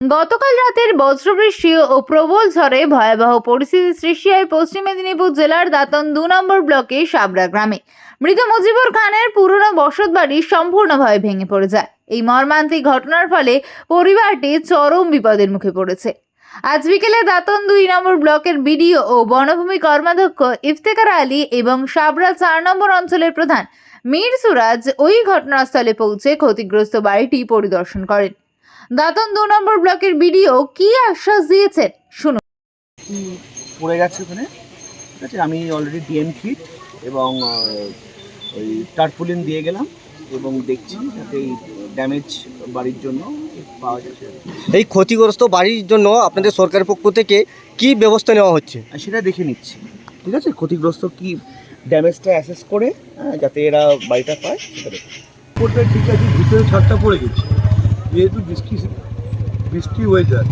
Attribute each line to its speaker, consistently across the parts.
Speaker 1: গতকাল রাতের বজ্রবৃষ্টি ও প্রবল ঝড়ে ভয়াবহ পরিস্থিতি সৃষ্টি হয় পশ্চিম মেদিনীপুর জেলার দাঁতন 2 নম্বর ব্লকে সাবরা গ্রামে। মৃত মুজিবুর খানের পুরনো বসতবাড়ি সম্পূর্ণভাবে ভেঙে পড়ে যায়। এই মর্মান্তিক ঘটনার ফলে পরিবারটি চরম বিপদের মুখে পড়েছে। আজ বিকেলে দাঁতন 2 নম্বর ব্লকের বিডিও ও বনভূমি কর্মাধ্যক্ষ ইফতেখার আলী এবং সাবরা 4 নম্বর অঞ্চলের প্রধান মীর সুরাজ ওই ঘটনাস্থলে পৌঁছে ক্ষতিগ্রস্ত বাড়িটি পরিদর্শন করেন। দাঁতন 2 নম্বর ব্লকের বিডিও কি আশ্বাস দিয়েছেন শুনুন।
Speaker 2: পড়ে গেছে ওখানে, ঠিক আছে। আমি অলরেডি ডিএম কিট এবং ওই টারপুলিন দিয়ে গেলাম এবং দেখছি যাতে এই ড্যামেজ বাড়ির জন্য পাওয়া যাচ্ছে।
Speaker 3: এই ক্ষতিগ্রস্ত বাড়ির জন্য আপনাদের সরকারের পক্ষ থেকে কি ব্যবস্থা নেওয়া হচ্ছে?
Speaker 2: আর সেটা দেখে নিচ্ছি, ঠিক আছে। ক্ষতিগ্রস্ত কি ড্যামেজটা অ্যাসেস করে যাতে এরা বাড়িটা পায় সেটা দেখি।
Speaker 4: উপরটা ঠিক আছে, ভিতরে ছাদটা পড়ে গেছে যেহেতু বৃষ্টি ওয়েদার,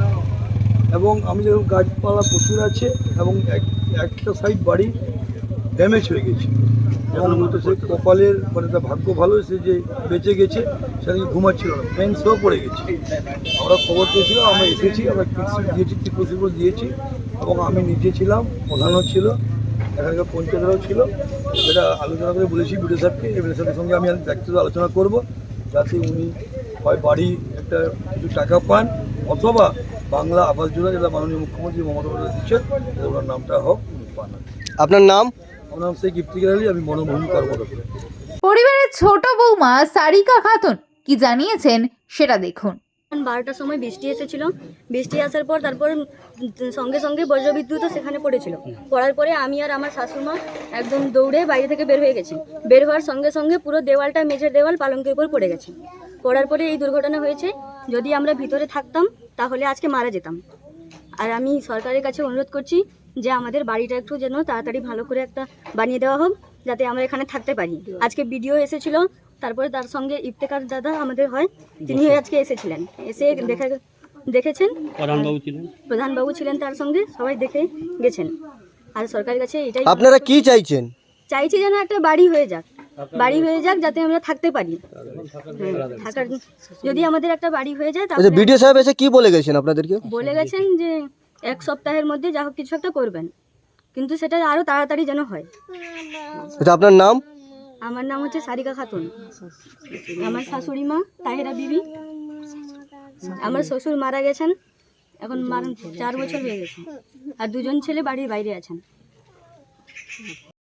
Speaker 4: এবং আমি যেরকম গাছপালা প্রচুর আছে এবং একটা সাইড বাড়ি ড্যামেজ হয়ে গেছে এবং সে কপালের মানে তার ভাগ্য ভালো, সে যে বেঁচে গেছে সেদিকে ঘুমাচ্ছিল না, ফেন্সও পড়ে গেছে। আমরা খবর পেয়েছিলাম, আমরা এসেছি, আমরা কিটসিট দিয়েছি, ত্রিপল দিয়েছি এবং আমি নিজে ছিলাম, প্রধানও ছিল, এখানকার পঞ্চায়েতরাও ছিল। সেটা আলোচনা করে বলেছি বিডিও সাহেবকে, বিডিও সাহেবের সঙ্গে আমি ব্যক্তিগত আলোচনা করব যাতে উনি হয় বাড়ি একটা কিছু টাকা পান অথবা বাংলা আবাস যোজনা যেটা মাননীয় মুখ্যমন্ত্রী মমতা বন্দ্যোপাধ্যায় দিচ্ছেন ওনার নামটা হোক, উনি পান।
Speaker 3: আপনার নাম?
Speaker 4: আমার নাম শেখ ইফতেখার আলী, আমি বনভূমি কর্মকর্তা।
Speaker 1: পরিবারের ছোট বৌমা সারিকা খাতুন কি জানিয়েছেন সেটা দেখুন।
Speaker 5: 12টার সময় বৃষ্টি এসেছিল। বৃষ্টি আসার পর তারপর সঙ্গে সঙ্গে বজ্রবিদ্যুৎও সেখানে পড়েছিল। পড়ার পরে আমি আর আমার শাশুড়িমা একদম দৌড়ে বাইরে থেকে বের হয়ে গেছি। বের হওয়ার সঙ্গে সঙ্গে পুরো দেওয়ালটা, মেঝের দেওয়াল পালঙ্কের উপর পড়ে গেছে। পড়ার পরে এই দুর্ঘটনা হয়েছে। যদি আমরা ভিতরে থাকতাম তাহলে আজকে মারা যেতাম। আর আমি সরকারের কাছে অনুরোধ করছি যে আমাদের বাড়িটা একটু যেন তাড়াতাড়ি ভালো করে একটা বানিয়ে দেওয়া হোক যাতে আমরা এখানে থাকতে পারি। আজকে বিডিও এসেছিল, তারপরে তার সঙ্গে ইফতেখার দাদা আমাদের হয়, তিনি আজকে এসেছিলেন, এসে দেখেছেন, প্রধানবাবু ছিলেন তার সঙ্গে, সবাই দেখে গেছেন। আর সরকারের কাছে এটাই
Speaker 3: আপনারা কি চাইছেন?
Speaker 5: চাইছি যেন একটা বাড়ি হয়ে যাক, বাড়ি হয়ে যাক যাতে আমরা থাকতে পারি। থাকার যদি আমাদের একটা বাড়ি হয়ে যায় তাহলে
Speaker 3: বিডিও সাহেব এসে কি বলে গেছেন আপনাদেরকে?
Speaker 5: বলে গেছেন যে 1 সপ্তাহের মধ্যে যা হোক কিছু একটা করবেন, কিন্তু সেটা আরো তাড়াতাড়ি যেন হয়।
Speaker 3: আপনার নাম?
Speaker 5: আমার নাম হচ্ছে সারিকা খাতুন। আমার শাশুড়ি মা তাহেরা বিবি। আমার শ্বশুর মারা গেছেন, এখন 4 বছর হয়ে গেছে, আর 2জন ছেলে বাড়ির বাইরে আছেন।